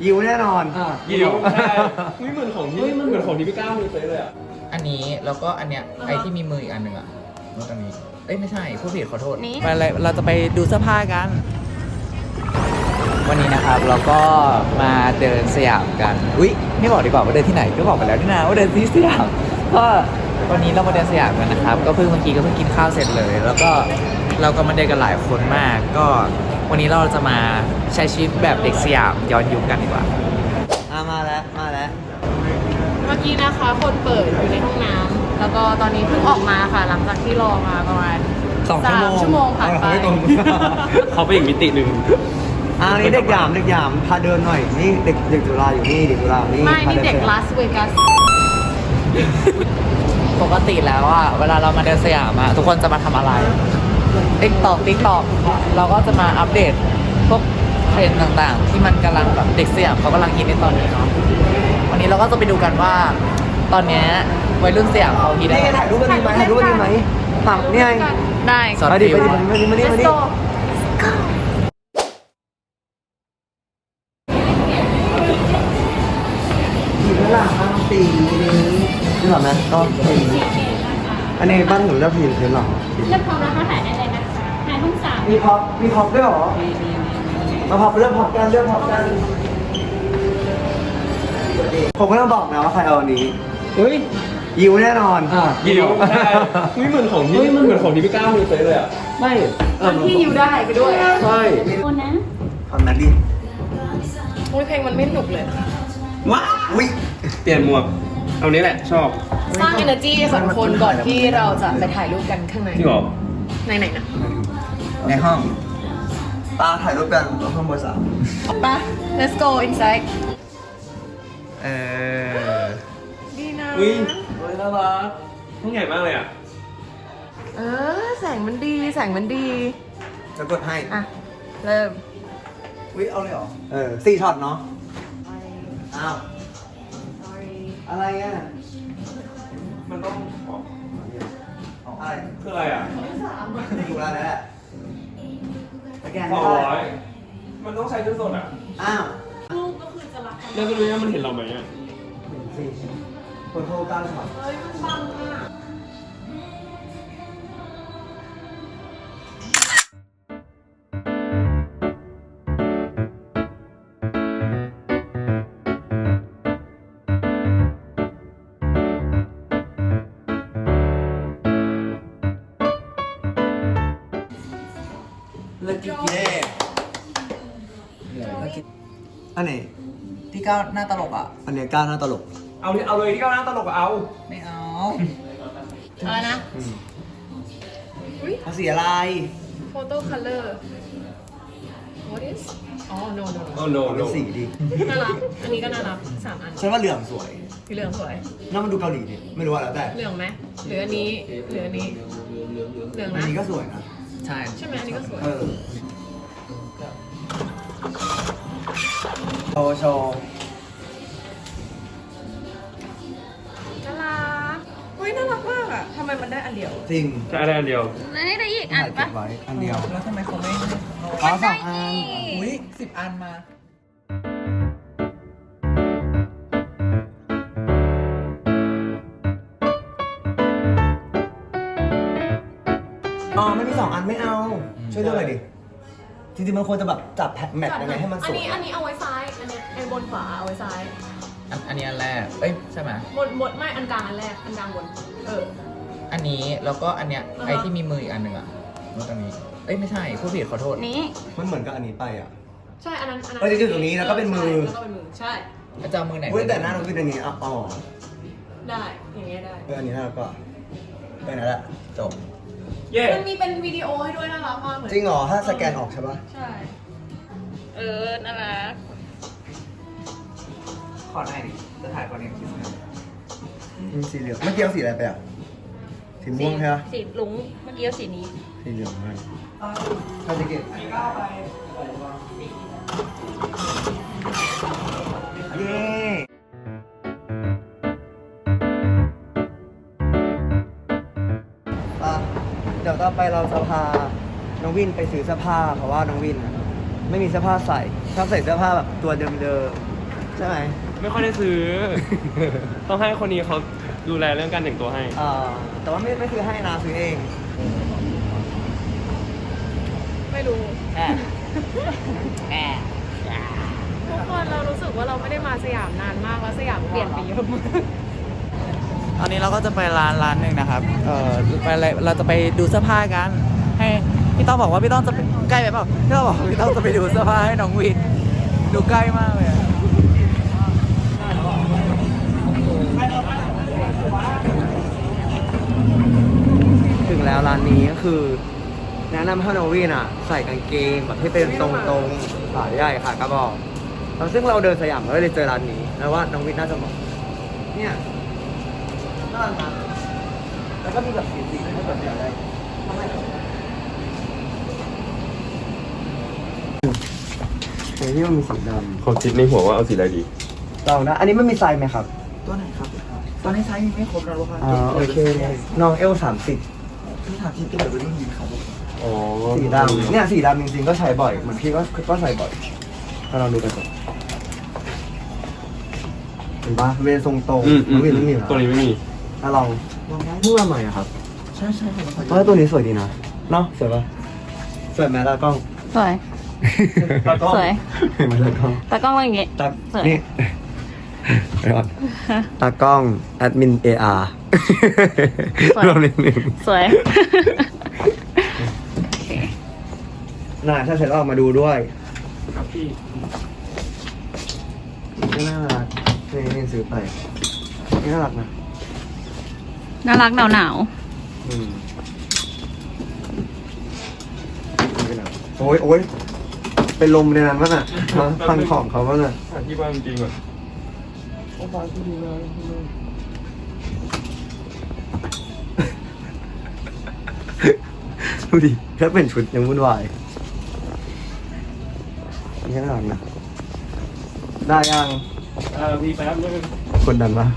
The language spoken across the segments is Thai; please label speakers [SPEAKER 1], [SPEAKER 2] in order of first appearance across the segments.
[SPEAKER 1] ยิวแน่นอน
[SPEAKER 2] ยิวใช่เหมือนของที่เหมือนของที่พี่ก้าวมีเลยอ่ะ
[SPEAKER 3] อันนี้แล้วก็อันเนี้ยไอที่มีมืออีกอันหนึ่งอะแล้วตรงนี้เอ้ยไม่ใช่ผู้ผิดขอโทษ
[SPEAKER 4] นี่
[SPEAKER 3] ไปเลยเราจะไปดูเสื้อผ้ากัน วันนี้นะครับเราก็มาเดินสยามกันอุ๊ยไม่บอกดีกว่าว่าเดินที่ไหนก็บอกไปแล้วนี่นะว่าเดินที่สยามก็วันนี้เรามาเดินสยามกันนะครับก็เพิ่งเมื่อกี้ก็เพิ่งกินข้าวเสร็จเลย แล้วก็เราก็มาเดินกันหลายคนมากก็วันนี้เราจะมาใช้ชีวิตแบบเด็กสยามย้อนยุคกันดีกว่า
[SPEAKER 1] มาแล้ว
[SPEAKER 4] เมื่อกี้นะคะคนเปิดอยู่ในห้องน้ำแล้วก็ตอนนี้เพิ่งออกมาค่ะหลังจากที่รอมาประมาณ3 ชั่วโมงผ่านไป
[SPEAKER 2] เขาไปอีกมิติหนึ่ง
[SPEAKER 1] นี่เด็กหยามพาเดินหน่อยนี่เด็กจุฬาอยู่นี่เด็กจุฬานี่
[SPEAKER 4] ไม่นี่เด็กลาสเวกัส
[SPEAKER 3] ปกติแล้วอะเวลาเรามาเดินสยามอะทุกคนจะมาทำอะไรติ๊กตอกเราก็จะมาอัปเดตพวกเทรนด์ต่างๆที่มันกำลังแบบเด็กสยามเขากำลังฮิตในตอนนี้เนาะวันนี้เราก็จะไปดูกันว่าตอนนี้วัยรุ่นสยามเขาฮิตอะไร
[SPEAKER 1] ถ่ายรูปกันดีไหมถามนี่ไง
[SPEAKER 4] ได้
[SPEAKER 3] สอน
[SPEAKER 1] ไปดิ
[SPEAKER 4] Let's go
[SPEAKER 1] อยู่ข้างหลังสีนี้นี่หรอนะก็สีอันนี้บ้านหนูเลือกสีหรือหรอ
[SPEAKER 5] เลือกพร้อมแล้วก็ถ่ายได้เลยนะคะถ่ายห้องสาม
[SPEAKER 1] มีพ็อปด้วยหรอมาพ็อปเลือกพ็อปกันผมก็ต้องบอกนะว่าใครเอาอันนี้ยิวแน่นอน
[SPEAKER 2] ยิวใช่เหมือนของที่เหมือนของที่พี่ก้าวมีเลยอ่ะ
[SPEAKER 1] ไม่
[SPEAKER 4] ที่อยู่ได้ไปด้วย
[SPEAKER 1] ใช่
[SPEAKER 5] โอนนะ
[SPEAKER 1] ทำนั้นดิ
[SPEAKER 4] เพลงมันไม่หนุกเลย
[SPEAKER 1] ว้าวิ
[SPEAKER 2] เปลี่ยนหมวกเอานี้แหละชอบ
[SPEAKER 4] สร้าง energy สองคนก่อนที่เราจะไปถ่ายรูปกันข้างใน
[SPEAKER 2] ที่บอก
[SPEAKER 4] ไหนนะ
[SPEAKER 3] ในห้อง
[SPEAKER 1] ตาถ่ายรูปกันห้องเบอร์3
[SPEAKER 4] ไป let's go inside ดีนะ
[SPEAKER 2] น่ารักห้องใหญ่มากเลยอ่ะ
[SPEAKER 4] แสงมันดี
[SPEAKER 1] จะกดให้
[SPEAKER 4] อ่ะเริ่ม
[SPEAKER 1] เอาเลยเหรอ4 ช็อตเนาะอ้าวอะไรอ่ะ
[SPEAKER 2] มันต้อง
[SPEAKER 1] อะไร
[SPEAKER 2] คืออะไรอ่ะ
[SPEAKER 1] ถูกแล้วแหละสแกน
[SPEAKER 2] 200มันต้องใช้เงินสดอ่ะ
[SPEAKER 1] อ้าว
[SPEAKER 4] รูปก็คือจะรักกัน
[SPEAKER 2] แล้วจะรู้ว่ามันเห็นเราไหมอ่ะ
[SPEAKER 1] คนโทร9 ช็อต
[SPEAKER 4] มันบังอ่ะ
[SPEAKER 1] อันไหน
[SPEAKER 3] ที่ก้าวหน้าตลกอ่ะ
[SPEAKER 1] อันนี้ก้าวหน้าตลก
[SPEAKER 2] เอาเลยที่ก้าวหน้าตลกเอา
[SPEAKER 3] ไม่เอา
[SPEAKER 4] อะไรนะ
[SPEAKER 1] เอาสีอะไร
[SPEAKER 4] photo color what is อ๋อ no
[SPEAKER 1] เป็นสีดิ
[SPEAKER 4] น่ารักอันนี้ก็น่ารัก3 อัน
[SPEAKER 1] ฉันว่าเหลืองสวย
[SPEAKER 4] สีเหลืองสวย
[SPEAKER 1] น่ามันดูเกาหลีดิไม่รู้ว่าแล้วแต่
[SPEAKER 4] เหลืองไหมหรืออันนี้เหลืองนะ
[SPEAKER 1] อันนี้ก็สวยนะ
[SPEAKER 4] ใช่ไหมอันนี้ก็สวย
[SPEAKER 1] โชว์
[SPEAKER 4] น่ารักน่ารักมากอ่ะทำไมมันได้อันเดียว
[SPEAKER 1] จริง
[SPEAKER 2] จะได้อันเดียว
[SPEAKER 5] ได้อีกอันปะ
[SPEAKER 1] ไว้อันเดียว
[SPEAKER 3] แล้วทำไมเขาไม่
[SPEAKER 1] 2 อัน
[SPEAKER 3] อุ้ย10 อันมา
[SPEAKER 1] ไม่มี2 อันไม่เอาช่วยเลือกหน่อยดิจริงๆมันควรจะแบบจับแมทยังไงให้มันสวย
[SPEAKER 4] อันนี้เอาไว้ซ้ายอันนี้ไอ้บนขวาเอาไว้ซ้าย
[SPEAKER 3] อันนี้อันแรกใช่ไหม
[SPEAKER 4] หมดไม่อันกลางอันแรกอันกลางบน
[SPEAKER 3] อันนี้แล้วก็อันเนี้ยไอที่มีมืออีกอันหนึ่งอะแล้วตรงนี้ไม่ใช่ผู้ผิดขอโทษ
[SPEAKER 4] นี้
[SPEAKER 1] มันเหมือนกับอันนี้ไปอ่ะ
[SPEAKER 4] ใช่อันนั้น
[SPEAKER 1] จะอยู่ตรงนี้แล้วก็เป็นมือ
[SPEAKER 4] ใช่
[SPEAKER 3] จะเอามือไหน
[SPEAKER 1] แต่หน้าเราคืออันนี้อ๋อ
[SPEAKER 4] ได้อย่างเงี้ยได้
[SPEAKER 1] อันนี้หน้าก็นั่นแหละจบ
[SPEAKER 4] มันมีเป็นวิดีโอให้ด้วยน่ารักมากเลย
[SPEAKER 1] จริงเหรอถ้าสแกนออกใช่ปะ
[SPEAKER 4] ใช่น่ารัก
[SPEAKER 3] ขอหน่อยดิจะถ่ายก่อนเนี่ยคิด
[SPEAKER 1] มีสีเหลืองเมื่อกี้เอาสีอะไรไปอ่ะสีม่วงใช่ไหม
[SPEAKER 5] สีลุงเมื่อกี้เอาสีนี้
[SPEAKER 1] สีเหลืองเลยถ้าจะเก็บเย้เดี๋ยวต่อไปเราจะพาน้องวินไปซื้อเสื้อผ้าเพราะว่าน้องวินไม่มีเสื้อผ้าใส่ชอบใส่เสื้อผ้าแบบตัวเดิมๆช่ไหม
[SPEAKER 2] ไม่ค่อยได้ซื้อ ต้องให้คนนี้เขาดูแลเรื่องการแต่งตัวให้
[SPEAKER 1] แต่ว่าไม่ซื้อให้นะซื้อเอง
[SPEAKER 4] ไม่รู้ทุกคนเรารู้สึกว่าเราไม่ได้มาสยามนานมากแล้วสยามเปลี่ยนไปเยอะมาก
[SPEAKER 3] ตอนนี้เราก็จะไปร้านหนึ่งนะครับ ไปอะไรเราจะไปดูเสื้อผ้ากัน ให้พี่ต้องบอกว่าพี่ต้องจะใกล้ไปเปล่าพี่ต้องบอกว่าพี่ต้องจะไปดูเสื้อผ้าให้น้องวิน ดูใกล้มากเลยอะ
[SPEAKER 1] ถึงแล้วร้านนี้ก็คือ แนะนำให้น้องวินใส่กางเกงแบบที่เป็นตรงๆขาใหญ่ขากระบอกแล้วซึ่งเราเดินสยามเราก็เลยเจอร้านนี้แล้วว่าน้องวินน่าจะเหมาะเนี่ยน่ารักนะแล้วก็มีแบบสีๆให้แบบอยากได้ทำไมที่มันมีสีดำ
[SPEAKER 2] เขาคิดในหัวว่าเอาสีอะไรดี
[SPEAKER 1] เรานะอันนี้มันมีไซส์ไหมครับ
[SPEAKER 3] ตัวไหนครับ ตอนนี้ไซส์ยังไม่ครบนะลูกค้า
[SPEAKER 1] โอเคน้องL30
[SPEAKER 3] พี่ถามที่เป็นแบบรุ่นนี้ครับ
[SPEAKER 2] อ๋อ
[SPEAKER 1] สีดำเนี่ยสีดำจริงๆก็ใช้บ่อยเหมือนพี่ก็ใส่บ่อยถ้าเราดูกันก่อนเห็นปะเวนทรงตรงน้องวินต้องมี
[SPEAKER 2] ตัวนี้ไม่มี
[SPEAKER 1] ลองเพิ่งมาใหม่อะครับใช่เพราะว่าตัวนี้สวยดีนะเนาะสวยปะสวยไหมตากล้อง
[SPEAKER 5] สวย
[SPEAKER 1] ตากล้อง
[SPEAKER 5] สวย
[SPEAKER 1] เห็นไหมตากล้อง
[SPEAKER 5] ตากล้องเป็นอย่างงี้
[SPEAKER 1] ตา
[SPEAKER 5] สวย
[SPEAKER 1] นี่เดี๋ยวก่อนตากล้องแอดมิน AR รวมนิดนึง
[SPEAKER 5] สวย
[SPEAKER 1] น่าถ้าเสร็จแล้วออกมาดูด้วย
[SPEAKER 2] ครับพี่
[SPEAKER 1] นี่น่ารักนี่ซื้อไปนี่น่ารักนะ
[SPEAKER 5] น่ารักหนาว
[SPEAKER 1] อืมโอ้ยเป็นลมในนั้นวะน่ะมาฟังของเขาวะน่ะ
[SPEAKER 2] หาที่บ้านจริงๆก่อน
[SPEAKER 1] ดูดิแค่เป็นชุดยังวุ่นวายนี่น่ารักนะได้ยัง
[SPEAKER 2] พี่แป๊บนึง
[SPEAKER 1] คนดันปะ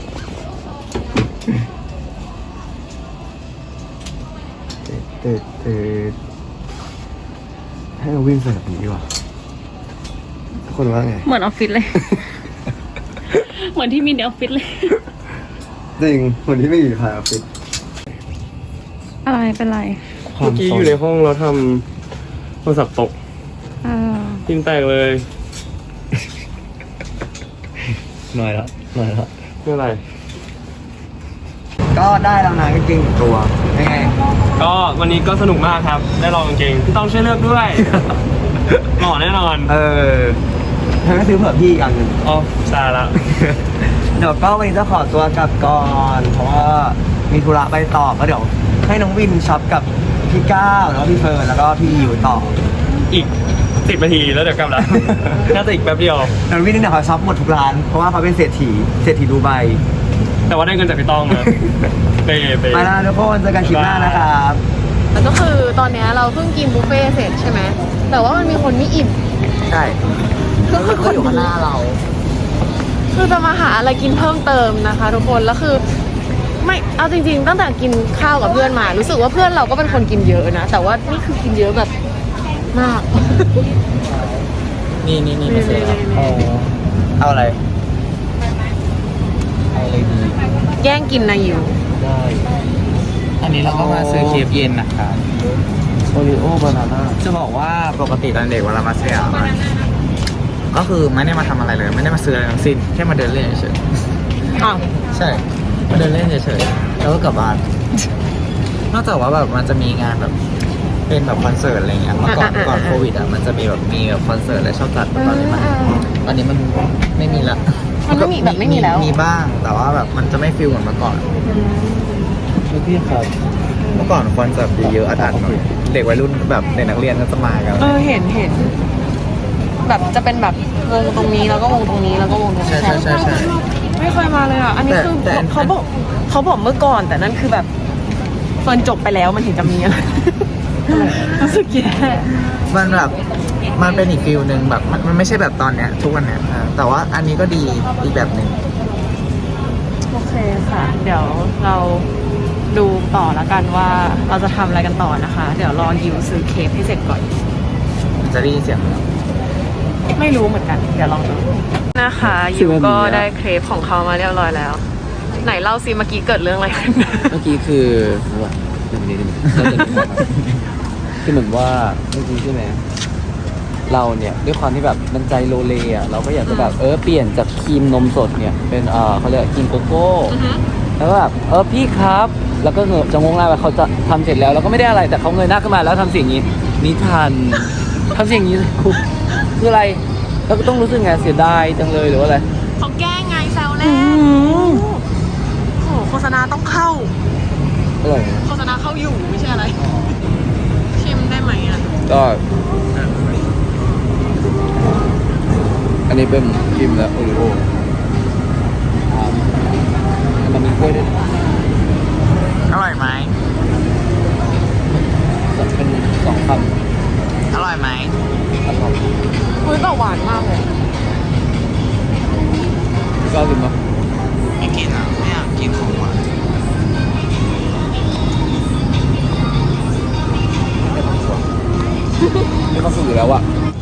[SPEAKER 1] เตให้เราวิ่งใส่แบบนี้ดีกว่าทุกคนว่าไง
[SPEAKER 5] ๆเหมือนออฟฟิศเลย เหมือนที่มีในออฟฟิศเลย
[SPEAKER 1] จริงคนที่ไม่อยู่ภายออฟฟิศ
[SPEAKER 5] อะไรเป็นไร
[SPEAKER 2] เมื่อกี้อยู่ในห้องเราทำโทรศัพท์ตกทิ้งแตกเลย
[SPEAKER 1] หน่อยละ
[SPEAKER 2] ไม่เป็นไร
[SPEAKER 1] ก็ได้แล้วนะกางเกง1ตัวยังไง
[SPEAKER 2] ก็วันนี้ก็สนุกมากครับ ได้ลองกางเกงพี่ต้องช่วยเลือกด้วย หล่อแน่นอน
[SPEAKER 1] ฉันก็ซื้อเผื่อพี่อีกอันหนึ่ง
[SPEAKER 2] อ๋อใช่ละ
[SPEAKER 1] เดี๋ยวก็วันนี้จะขอตัวกลับก่อนเพราะว่ามีธุระไปต่อก็เดี๋ยวให้น้องวินช็อปกับพี่ก้าวแล้วก็พี่เฟิร์นแล้วก็พี่ยิวต่อ
[SPEAKER 2] อีก10 นาทีแล้วเดี๋ยวกลับแล้ว น่าจะอีกแป๊บเดียว
[SPEAKER 1] น้องวินเนี่ยเขาช็อปหมดทุกร้านเพราะว่าเขาเป็นเศรษฐีดูไบ
[SPEAKER 2] แต่ว่าได้เงินจากพี่ต้องนะ เปย์
[SPEAKER 1] ไปแล้วทุกคนเจอกันคลิปหน้านะครับ
[SPEAKER 4] แล้วก็คือตอนเนี้ยเราเพิ่งกินบุฟเฟ่ต์เสร็จใช่ไหมแต่ว่ามันมีคนไม่อิ่ม
[SPEAKER 1] ใช่
[SPEAKER 4] ก็คือคนอยู่ข้างหน้าเรา คือจะมาหาอะไรกินเพิ่มเติมนะคะทุกคนแล้วคือไม่เอาจริงๆ ตั้งแต่กินข้าวกับเพื่อนมา รู้สึกว่าเพื่อนเราก็เป็นคนกินเยอะนะแต่ว่านี่คือกินเยอะแบบมาก
[SPEAKER 3] นี่มาเสร็จแล้วเอาอะไรดี
[SPEAKER 4] แย่งกินนะอยู่
[SPEAKER 3] ได้ อันนี้เราก็มาซื้อเคฟเย็นนะครับ
[SPEAKER 1] โอริโอบานาน่า
[SPEAKER 3] จะบอกว่าปกติตอนเด็กเวลามาสยามอะก็คือไม่ได้มาทำอะไรเลย ไม่ได้มาซื้ออะไรทั้งสิ้นแค่มาเดินเล่นเฉย
[SPEAKER 4] อ้าว
[SPEAKER 3] ๆใช่มาเดินเล่นเฉยๆแล้วก็กลับบ้าน นอกจากว่าแบบมันจะมีงานแบบเป็นแบบคอนเสิร์ตอะไรเงี้ยเมื่อก่อนโควิดอ่ะมันจะมีแบบคอนเสิร์ตอะไรชอบจัดตอนนี้มันไม่มีละ
[SPEAKER 4] มันไม่มีแบบไม่มีแล้ว
[SPEAKER 3] มีบ้างแต่ว่าแบบมันจะไม่ฟิลเหมือนเมื่อก่อน
[SPEAKER 1] พี่ครับ
[SPEAKER 3] เมื่อก่อนคอนเสิร์ตเยอะๆอัดๆหน่อยเด็กวัยรุ่นแบบเด็กนักเรียนก็จะมากัน
[SPEAKER 4] เห็นแบบจะเป็นแบบวงตรงนี้แล้วก็วงตรงนี้แล้วก็วงตรงนี้
[SPEAKER 3] ใช่
[SPEAKER 4] ไม่เคยมาเลยอ่ะอันนี้คือ
[SPEAKER 3] แต่
[SPEAKER 4] เขาบอกเมื่อก่อนแต่นั่นคือแบบเฟิร์นจบไปแล้วมันถึงจะมีอะไร รู้สึกแย่
[SPEAKER 3] มันแบบมันเป็นอีกฟิลหนึ่งแบบมันไม่ใช่แบบตอนเนี้ยทุกวันเนี้ยแต่ว่าอันนี้ก็ดีอีกแบบหนึ่ง
[SPEAKER 4] โอเคค่ะ เดี๋ยวเราดูต่อแล้วกันว่าเราจะทำอะไรกันต่อนะคะ เดี๋ยวรอยิวซื้อเค้กให้เสร็จก่อน
[SPEAKER 3] มันจะได้ยินเสียง
[SPEAKER 4] ไม่รู้เหมือนกันเดี๋ยวลองดูนะคะยูก็ได้เครปของเขามาเรียบร้อยแล้ว ไหนเล่าซิเมื่อกี้เกิดเรื่องอะไรขึ้น
[SPEAKER 3] เมื่อกี้คือว่าเรื่องนี้คือเหมือนว่าเมื่อกี้ใช่ไหมเราเนี่ยด้วยความที่แบบมันใจโลเลอ่ะเราก็อยากจะแบบเปลี่ยนจากครีมนมสดเนี่ยเป็นเขาเรียกครีมโกโก้แล้วก็แบบพี่ครับแล้วก็จะงงหน้าไปเขาจะทำเสร็จแล้วก็ไม่ได้อะไรแต่เขาเงยหน้าขึ้นมาแล้วทำเสียงนี้นิทานทำเสียงนี้คืออะไรแล้วก็ต้องรู้สึกไงเสียดายจังเลยหรือว่าอะไร
[SPEAKER 4] เขาแกล้งไงแซวเล่นโอ้โหโฆษณาต้องเข้า
[SPEAKER 3] อร่อย
[SPEAKER 4] โฆษณาเข้าอยู่ไม่ใช่อะไร ชิมได้ไหมอ่ะ
[SPEAKER 3] ก็อันนี้เป็นครีมและโอริโอมันมีกล้วยด้วย
[SPEAKER 1] อร่อยไหม
[SPEAKER 3] เป็น2 คำ
[SPEAKER 1] อร่อยไหม
[SPEAKER 3] อร่อย
[SPEAKER 4] เฮ้ยแต่หวานมากเลย
[SPEAKER 3] ก็กินมา
[SPEAKER 1] ไม่กินอ่ะไม่อยากกินของหวาน
[SPEAKER 3] ไม่ต้องสื่อแล้วอะ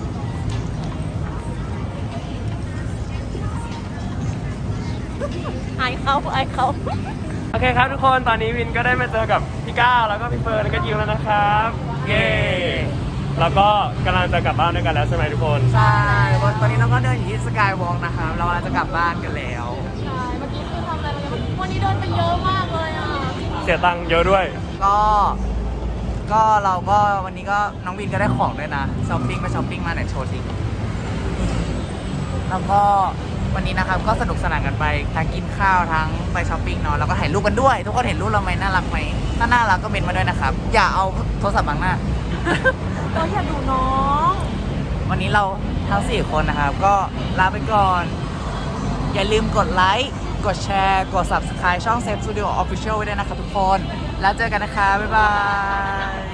[SPEAKER 4] ไอเขา
[SPEAKER 2] โอเคครับทุกคนตอนนี้วินก็ได้มาเจอกับพี่ก้าวแล้วก็พี่เฟิร์นแล้วก็ยิวแล้วนะครับเย้แล้วก็กำลังจะกลับบ้านด้วยกันแล้วใช่ไหมทุกคน
[SPEAKER 1] ใช่ตอนนี้เราก็เดินอยู่ที่สกายวอล์กนะครับเรากำลังจะกลับบ้านกันแล้ว
[SPEAKER 4] ใช่ เมื่อกี้คือทำอะไรมาเยอะวันนี้เดินไปเยอะมากเลยอ่ะ
[SPEAKER 2] เสียตังค์เยอะด้วย
[SPEAKER 1] ก็เราก็วันนี้ก็น้องวินก็ได้ของด้วยนะช้อปปิ้งไปช้อปปิ้งมาไหนโชว์สิแล้วก็วันนี้นะครับก็สนุกสนานกันไปทั้งกินข้าวทั้งไปช้อปปิ้งเนาะแล้วก็ถ่ายรูปกันด้วย ทุกคนเห็นรูปเราไหมน่ารักไหมถ้าน่ารักก็เมนมาด้วยนะครับอย่าเอาโทรศัพท์บังหน้า
[SPEAKER 4] เราอย่าดูน้อง
[SPEAKER 1] วันนี้เราทั้ง4คนนะครับก็ลาไปก่อน อย่าลืมกดไลค์กดแชร์กด Subscribe ช่อง Safe Studio Official ไว้ด้วยนะครับทุกคนแล้วเจอกันนะคะบ๊ายบาย